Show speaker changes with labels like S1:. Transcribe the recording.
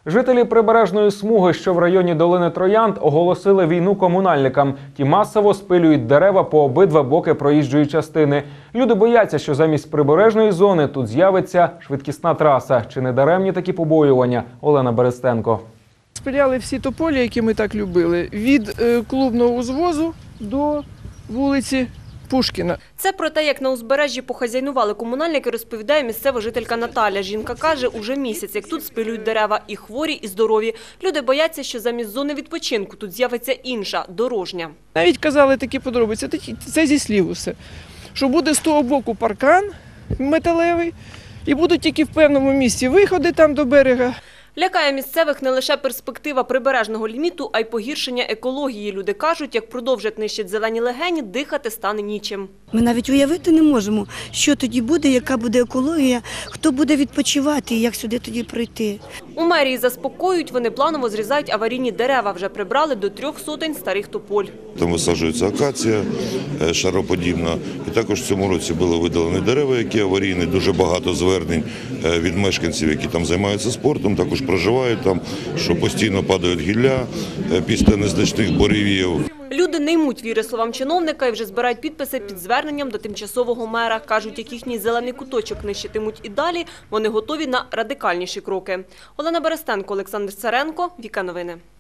S1: Жителі прибережної смуги, що в районі долини Троянд, оголосили війну комунальникам. Ті масово спилюють дерева по обидва боки проїжджої частини. Люди бояться, що замість прибережної зони тут з'явиться швидкісна траса. Чи не даремні такі побоювання? Олена Берестенко.
S2: Спиляли всі тополі, які ми так любили, від клубного узвозу до вулиці Пушкіна.
S3: Це про те, як на узбережжі похазяйнували комунальники, розповідає місцева жителька Наталя. Жінка каже, уже місяць, як тут спилюють дерева і хворі, і здорові. Люди бояться, що замість зони відпочинку тут з'явиться інша, дорожня.
S2: Навіть казали такі подробиці, це зі слів усе, що буде з того боку паркан металевий і будуть тільки в певному місці виходи там до берега.
S3: Лякає місцевих не лише перспектива прибережного ліміту, а й погіршення екології. Люди кажуть, як продовжать нищити зелені легені, дихати стане нічим.
S4: Ми навіть уявити не можемо, що тоді буде, яка буде екологія, хто буде відпочивати і як сюди тоді прийти.
S3: У мерії заспокоюють, вони планово зрізають аварійні дерева. Вже прибрали до 300 старих тополь.
S5: Там висаджується акація шароподібна. І також в цьому році були видалені дерева, які аварійні. Дуже багато звернень від мешканців, які там займаються спортом, також проживають там, що постійно падають гілля після незначних буревіїв.
S3: Люди не ймуть віри словам чиновника і вже збирають підписи під зверненням до тимчасового мера. Кажуть, як їхній зелений куточок нищитимуть і далі, вони готові на радикальніші кроки. Олена Берестенко, Олександр Царенко, Віка Новини.